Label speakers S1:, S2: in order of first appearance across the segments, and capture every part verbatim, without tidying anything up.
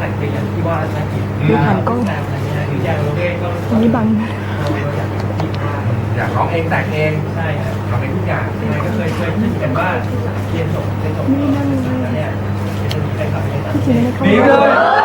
S1: แต่งเพลงอย่างที่ว่าน่ากิน
S2: ดูผ่านกล้อง
S1: แต่อะไรเงี้ยหรืออย่างโรเบ้ก็
S2: อันนี้บัง
S1: เราอยากเป็นที่ภาค
S3: อยากร้องเองแต่งเอง
S1: ใช่ครับ
S3: ทำเองทุกอย่าง
S1: ยังไงก็เคยเคยคิดกันว่าเรียนจบเรียนจบแล้วเนี่ยจะมีแฟนคลับในต่างประเทศ
S3: ดีเลย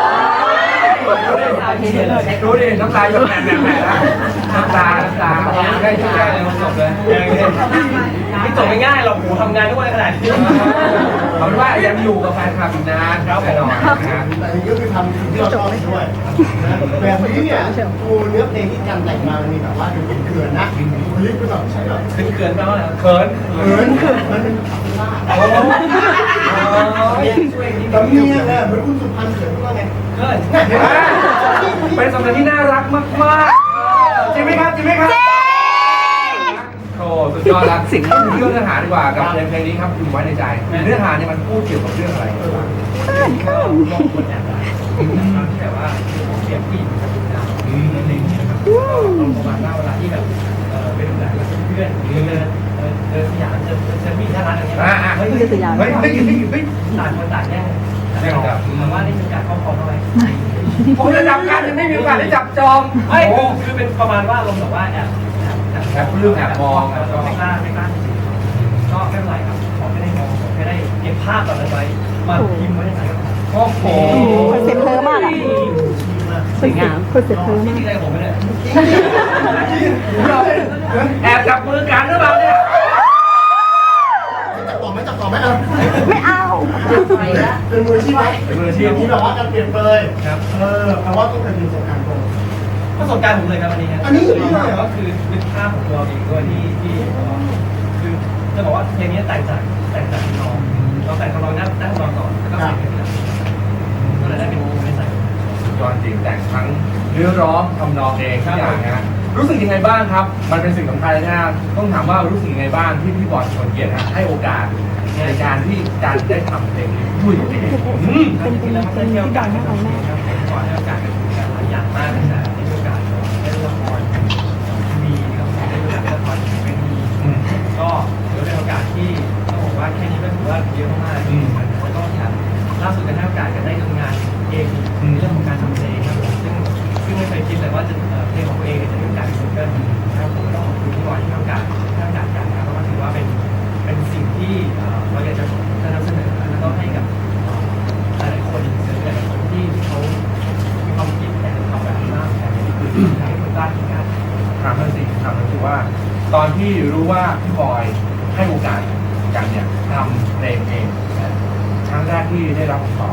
S1: เช็ค
S3: ดูดิน้ำตาหยดแหม่แหม่แล้วน้ำตาน้ำตาได้ช่วยได้เลยจบเลย
S1: ไม่จบง่ายๆหรอกหนูทำงานทุกวันขนาดนี้
S3: เอาเป็นว่ายังอยู่กับแฟนคลับอีกนานแน่นอนนะ
S4: แต่นี่ก็คือทำสิ่งที่เราชอบด้วยแบบนี้เนี่ยกูเนื้อเพลงที่การแต่งมามันมีแบบว่าดูเป็นเขื่อนนะลิฟต์ก็แบบใช่แบบ
S1: ขึ้นเกินไปแล้ว
S3: เขิน
S4: เขินมันเป็นคำว่า
S3: โอ้โห
S1: ช่วยนิด
S4: ตำเนียงเลยเหมือนคุณสุพรรณเขินว่าไง
S1: เกิน
S3: เป็นสำเนียงที่น่ารักมากๆจริงไหมครับจริงไหมครับโอ้สุดยอดแล้วสิ่งที่เรื่องเนื้อหาดีกว่ากับเพลงเพลงนี้ครับอยู่ไว้ในใจเนื้อหาเนี่ยมันพูดเกี่ยวกับเรื่องอะไร
S1: ก็มองคนแอบรักที่แบบว่าเปรียบผู้หญิงกับผู้ชายอะไรอย่างเงี้ยครับประมาณว่าเวลาที่แบบเออไปดูหนังกับเพื่อนหรือเดินเดินสยามเจอเจอผู้หญิงน่ารักอย่างเงี้ยเฮ้ย
S3: เฮ้ยเฮ้ยเฮ้ยเฮ้ย
S1: ต่างคนต่างแย่งแต่ว่านี่เป็นการครอบครองเอาไว้
S3: ผมจะจับกันยังไม่มีโอกาสได้จับจอง
S1: เฮ้ยคือเป็นประมาณว่าลงแบบว่าแอบ
S3: แอบเรื่องแอบมอง
S1: ไม่กล้าไม่กล้าก็ไม่เป็นไรครับขอไม่ได้มองผมแค่ได้เก็บภาพตอนนั้นไว้มาพิมพ์ไว้ในใจ
S3: โอ้โห
S2: คอนเซ็ปต์เธอมากอ่ะ
S1: สวยงาม
S2: คอนเซ็ปต์เธอ
S1: จ
S2: มาก
S1: ริงๆเลยผมไม่ได้
S3: แอบจับมือกันหรือเปล่าเนี่ย
S4: จับต่อไหมจับต่อไหมเอา
S2: ไม่เอา
S4: เป็นมืออาชีพไหม
S3: เป็นมืออาชีพ
S4: ที่แบบว่าการเปลี่ยนเปรย
S1: ครับ
S4: เออแปลว่าต้องเคยมีประสบการณ์ตรง
S1: ประสบการณ์ผมเลยครับอันนี้ครับ
S4: อันนี้เลยเหรอ
S1: ก็คือเป็นภาพของตัวเองด้วยที่ที่คือจะบอกว่าเพลงนี้แต่งจากแต่งจากน้องเราแต่งของเรานั่งนั่งนอนก่อนแล้วก็ใส่เพลงนี้ก็เลยได้เป็นวงในใส่
S3: ยอดจริงแต่งทั้งเนื้อร้องทำนองเองทุกอย่างนะรู้สึกยังไงบ้างครับ มันเป็นสิ่งสำคัญเลยนะต้องถามว่ารู้สึกยังไงบ้างที่พี่บอลชวนเกียรติให้โอกาสในการที่การได้ทำเพลงนี้ด้วยตัวเองอืม
S1: เป็นจริงๆแล้วมันได้มีโอกาสได้ทำงานครับก่อนได้โอกาสกันหลายอย่างมากแต่ได้มีโอกาสได้ละครทีวีครับได้มีโอกาสได้ละครทีวีก็ถือเป็นโอกาสที่ต้องบอกว่าแค่นี้ก็ถือว่าเยอะมากแล้วก็แถมล่าสุดก็ได้โอกาสกันได้ทำงานเองในเรื่องของการทำเพลงครับผมซึ่งซึ่งไม่เคยคิดเลยว่าจะเพลงของตัวเองจะมีโอกาสเป็นซิงเกิลนะครับผมต้องขอบคุณที่บอยที่ให้โอกาสให้โอกาสกันนะครับเพราะว่าถือว่าเป็นเป็นสิ่งที่เราอยากจะนำเสนอแล้วก็ให้กับหลายๆคนหรือหลายๆคนที่เขามีความคิดแต่ทำแบบนี้มากแต่อยากให้คนกล้าคิดกล้า
S3: ถามมันสิถามมันสิว่า ตอนที่รู้ว่าพี่บอยให้โอกาสกันเนี่ยทำเพลงเองครั้งแรกที่ได้รับคำตอบ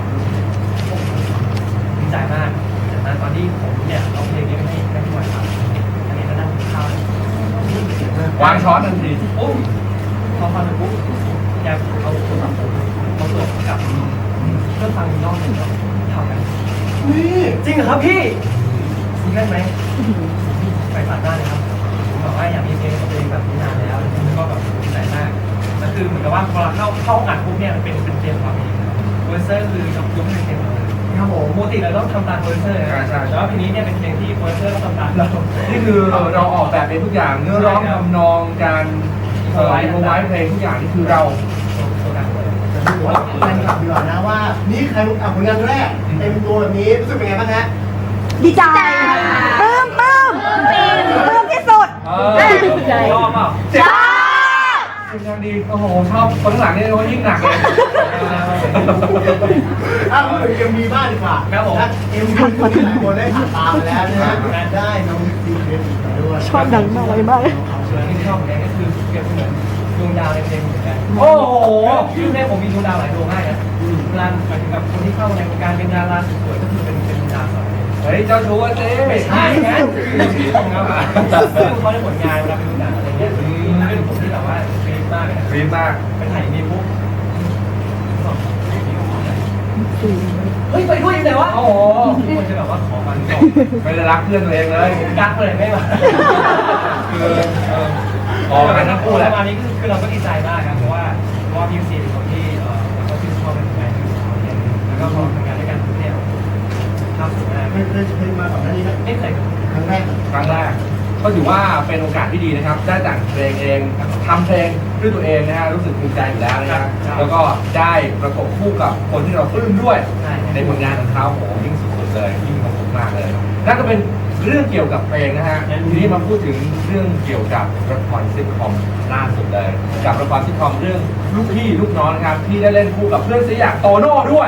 S1: ดีใจมากดีใจมากตอนที่ผมเนี่ยเอาเพลงนี้ให้ให้พี่บอยฟังอันนี้ก็นั่งกินข้าว
S3: วางช้อนทันที
S1: โอ้พอฟังเสร็จปุ๊บแกเอาโทรศัพท์ผมมาตรวจกับเครื่องฟังอีกรอบหนึ่งครับเท่ากัน
S4: นี่
S1: จริงเหรอครับพี่ซิงเกิลไหมไปตัดหน้าเลยครับผมบอกว่าอยากมีเพลงของตัวเองแบบนี้นานแล้วแล้วก็แบบดีใจมากแล้วคือเหมือนกับว่าพอเราเข้าเข้าอัดปุ๊บเนี่ยมันเป็นเป็นเพลงของเราเองโปรดิวเซอร์คือยกยกให้เป็นเพลงของเราครับผมปกติเราต้องทำตามโปรดิวเซอร์นะแต่ว่าเพลงนี้เนี่ยเป็นเพลงที่โปรดิวเซอร์ต้องทำตามเรา
S3: นี่คือเราออกแบบเองทุกอย่างเนื้อร้องทำนองการเอ่อโมไว้เพลงทุกอย่างนี่คือเรา
S1: ตัวการเลย
S4: ถือว่าแฟนคลับดีกว่านะว่า นี่ใครรู้อ่ะผลงานแรกเต็มตัวแบบนี้รู้สึกเป็นไงบ้างฮะ
S2: ดีใจปลื้มปลื้มปลื้มที่สุด
S3: เออ
S1: ชอบเปล่า
S2: จ้า
S3: เป็นยังดีโอ้โหชอบคนข้างหลังนี่เขายิ่งหนักเลย
S4: อ้าวพูดถึงเอ็มวีบ้างดีกว่านะเอ็มวีที่หลายคนได้ผ่านตามมาแล้วนะฮะได้น้องซีเครดอีกด้วย
S2: ชอบดังมากเลยมากเลย
S1: ส่วนที่ชอบของแกก็คือเปรียบเสมือนดวงดาวในเพลงเหมือนกัน
S3: โอ้โห
S1: ชื่อแม่ผมมีดวงดาวหลายดวงมากนะเวลาหมายถึงกับคนที่เข้าในวงการเป็นดาราสวยๆก็คือเป็นเป็นดวงดาวสวย
S3: เฮ้ยเจ้าชู้เจ๊
S1: ไม่ใช่นะชื่อของเขาซึ่งเขาได้ผลงานเวลาเป็นดูหนังอะไรเงี้ยเป็นผมที่แบบว่าฟรีมากเลยนะ
S3: รีบมาก
S1: ไปถ่ายมีปุ๊บเฮ้ยไปด้วยยังไงวะโอ้โหทุกคนจะแบบว่าขอมันก่อน
S3: ไม่ได้รักเพื่อนตัวเองเลย
S1: กักเลยไม่มา
S3: คือเออออกกันทั้งคู่แหละ
S1: ประมาณนี้คือเราก็ดีใจมากครับเพราะว่าเพราะว่าพี่ซีเป็นคนที่เออเราก็ชื่นชอบในงานที่เขาเนี่ยแล้วก็พอทำงานด้วยกันทุกเนี่ยภาพสวยมาก
S4: เคยเคยเคยมาก่อนหน้านี้ไหม
S1: ไม่เคย
S4: ครั้งแรก
S3: ครั้งแรก
S1: ใ
S3: ก็ถือว่าเป็นโอกาสที่ดีนะครับได้แต่งเพลงเองทำเพลงด้วยตัวเองนะฮะรู้สึกภูมิใจอยู่แล้วนะครับแล้วก็ได้ประกบคู่กับคนที่เราปลื้มด้วยในผลงานของเขาโอ้โหยิ่งสุดๆเลยยิ่งสนุกมากเลยนั่นก็เป็นเรื่องเกี่ยวกับเพลงนะฮะทีนี้มาพูดถึงเรื่องเกี่ยวกับละครซิทคอมล่าสุดเลยกับละครซิทคอมเรื่องลูกพี่ลูกน้องนะครับที่ได้เล่นคู่กับเพื่อนซีอย่างโตโน่ด้วย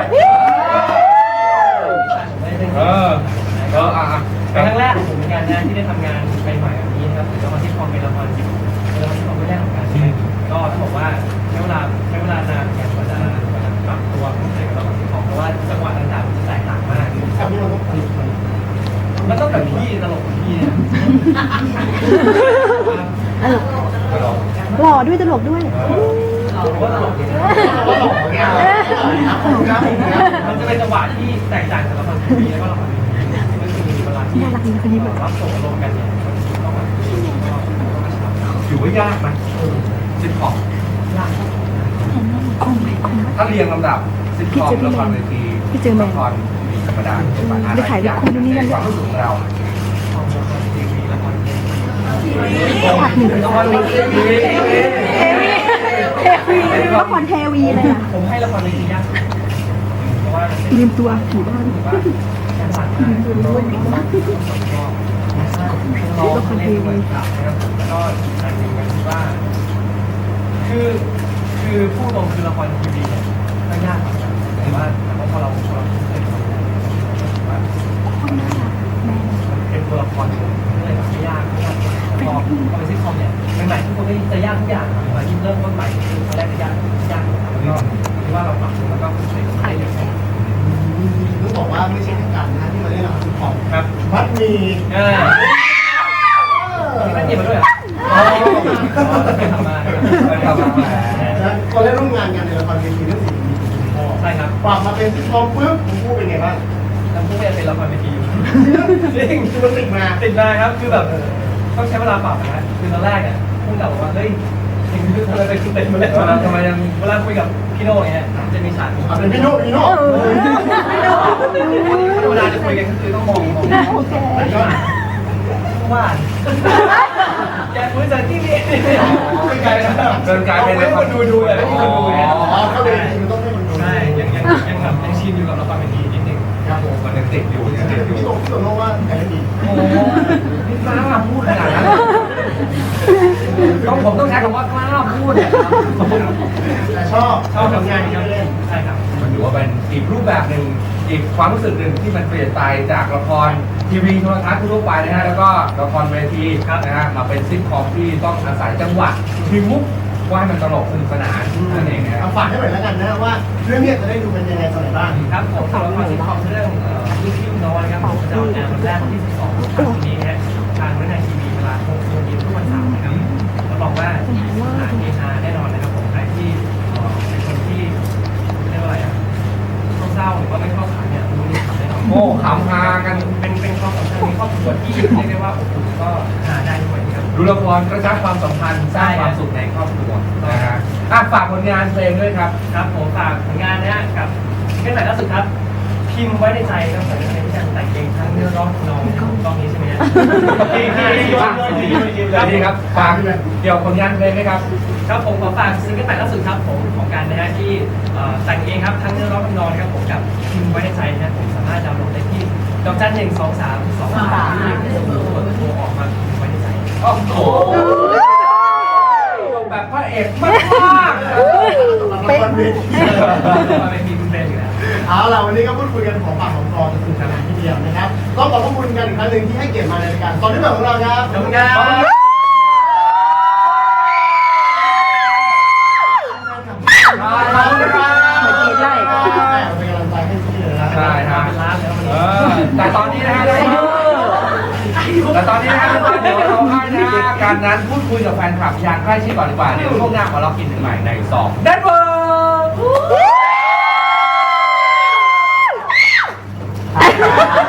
S3: เออเอออ่ะ
S1: เป็นครั้งแรกของผมเหมือนกันนะที่ได้ทำงานใหม่ๆแบบนี้นะครับละครซิทคอมเป็นละครจิ๋วเป็นละครซิทคอมไม่แรกของการก็ต้องบอกว่าใช้เวลาใช้เวลานานในการกว่าจะปรับตัวเข้าใจกับละครซิทคอมเพราะว่าจังหวะต่างๆมันแตกต่างมาก
S4: กับที่เราต้องผลิตมัน
S1: มันต้องแบบพี่ตลกพี่เนี่ย
S2: หล่อด้วยตลกด้วย
S1: ผมว่าตลกดีนะ
S4: ว่าหล่อไงครับผมนะ
S1: มันจะเป็นจังหวะที่แตกต่างจากละครทีวีแล้วก็ละครทีวีก็คือเวลาที่รับส่งอารมณ์กันเนี่ยต้องแบบ
S3: ถือว่ายากไหมซิทคอม
S1: ยาก
S3: ถ้าเรียงลำดับซิทคอมละครเวทีละครธรรมดาในความรู้สึกของเรา
S1: ทีวีละครทีวี
S2: ผักหนึ่ง
S1: ละครทีวี
S2: เทวีเทวีละครเทวีเลยอ่ะ
S1: ผมให้ละครเวทียากเพราะว่า
S2: ลืมตัวผีบ้าน
S1: ถือว่าการสั่งมากก็ละครทีวีนะครับแล้วก็อีกอันหนึ่งก็คือว่า คือคือพูดตรงคือละครทีวีเนี่ยก็ยากเหมือนกันแต่ว่าแต่ว่าพอเราพอเราเคยทำงานว่าเป็นตัวละครก็เลยแบบไม่ยากไม่ยากพอพอเป็นซิทคอมเนี่ยใหม่ๆทุกคนก็จะยากทุกอย่างมายิ่งเริ่มต้นใหม่คือตอนแรกจะยากยากแล้วก็คิดว่าเราปรับตัวแล้วก็ใช้ใช้เยอะแค่
S4: ต้องบอกว่าไม่ใช่แค่กันนะที่มาเล่นละครซิทคอม
S1: ครับ
S4: มัดมี
S1: เออนี่ไม่เกี่ยวมาด้วยเหรอเคยทำมา
S4: แล้วก็ได้ร่วมงานกันในละครเวทีเรื่องสิ่งมีคุณพ่อ
S1: ใช่ครับ
S4: ปรับมาเป็นซิทคอมปุ๊บคุณพูดเป็นไงบ้าง
S1: แล้วพวกนี้เป็นละครเวทีอยู่จริง
S4: คือมันติดมา
S1: ติดมาครับคือแบบต้องใช้เวลาปรับนะคือตอนแรกอ่ะพูดกับบอกว่าเฮ้ยจริงคืออะไรเป็นคือเต็มมาเลย
S3: ทำไมยัง
S1: เวลาคุยกับพี่โน่เนี่ยจะมีฉาก
S4: อ่ะเป็นพี่โน่พี่โน่
S1: เวลาจะคุยกันก็คือต้องมองมอง
S2: โอเค
S1: ว่าแกคุยจากที่นี่คุยกัน
S3: เดินกลายเป็น
S1: ให้คนดูดูเลยให้คนดูเนี่ย
S4: อ๋อก็เลยมันต้องให้มันดู
S1: ใช่ยังยังยังแบบยังชินอยู่กับละครเวทีนิดนึง
S4: ครับผม
S3: มันยังติดอยู่ยังติดอยู่
S4: พี่โน่พี่โน่ว่าใครได้ดี
S3: โอ้นี่กล้าพูดขนาดนั้นต้องผมต้องใช้คำว่ากล้าพูดเนี่ย
S4: แต่ชอบชอบผลงานที่เล่น
S1: ใช่ครับ
S3: มันถือว่าเป็นอีกรูปแบบหนึ่งอีกความรู้สึกหนึ่งที่มันเปลี่ยนไปจากละครทีวีโทรทัศน์ทั่วไปนะฮะแล้วก็ละครเวทีนะฮะมาเป็นซิทคอมที่ต้องอาศัยจังหวะมีมุกว่าให้มันตลกสนุกสนานนั่นเองนะครั
S4: เอา
S3: บ
S4: ฝากให้หน่อยแล้วกันนะว่าเรื่องนี้จะได้ดูเป็นยังไงตอนไหนบ้าง
S1: ครับผมสำหรับละครซิทคอมเรื่องลูกพี่ลูกน้องนะครับผมจะออนแอร์วันแรกวันที่สิบสองตุลาคมนี้นะฮะทางวิทยุทีวีเวลาหกโมงเย็นทุกวันเสาร์นะครับรับรองว่าหาเฮฮาแน่นอนนะครับผมใครที่เป็นคนที่เรียกว่าอะไรอ่ะเศร้าหรือว่าไม่ชอบขายเนี่ยดูนี่ขายแน่นอน
S3: โอ้ขำฮากัน
S1: เป็นเป็นความสัมพันธ์ในครอบครัวที่เรียกได้ว่าอบอุ่นก็หาได้ด้วยนะครับ
S3: ดูละครกระชับความสัมพันธ์สร้างความสุขในครอบครัวนะฮะอ่ะฝากผลงานเพลงด้วยครับ
S1: ครับผมฝากผลงานนะฮะกับซิงเกิลใหม่ล่าสุดครับพิมพ์ไว้ในใจครับผมในที่การแต่งเพลงทั้งเนื้อร้องทำนองตอนนี้ใช่ไหมฮะที่ที่ที่ยอดเลยที่ยอดเลย
S3: ดีครับฝากเกี่ยวกับผลงานเพลงไหมครับ
S1: ครับผมขอฝากซิงเกิลใหม่ล่าสุดครับผมของการนะฮะที่แต่งเองครับทั้งเนื้อร้องทำนองนะครับผมกับพิมพ์ไว้ในใจนะผมสามารถดาวน์โหลดได้ที่ดอกจันหนึ่งสองสามสองสามที่กดโทรออกมาพิมพ์ไว้ในใจ
S3: โอ้โหแบบพระเอกมาก
S4: เป๊ะ
S1: มาเป็นพิมพ์เป็นอยู่แล้ว
S4: เอาล่ะวันนี้ก็พูดคุยกันของปากของคอจะสนุกสนานทีเดียวนะครับต้องขอบพระคุณกันอีกครั้งหนึ่งที่ให้เกียรติมาในรายการตอนนี้แบบของเราครับ
S1: ขอบคุณครับ
S4: ขอบคุณครับเป็นกำลังใจให้พี่เลยนะ
S3: ใช่ครับ
S1: เป็นร้านแล้ว
S3: เออแต่ตอนนี้นะฮะแต่ตอนนี้นะฮะเดี๋ยวเราให้นะฮะการนั้นพูดคุยกับแฟนคลับอย่างใกล้ชิดก่อนดีกว่าเดี๋ยวช่วงหน้าขอเรากินถึงใหม่ในสองเดนเวอร์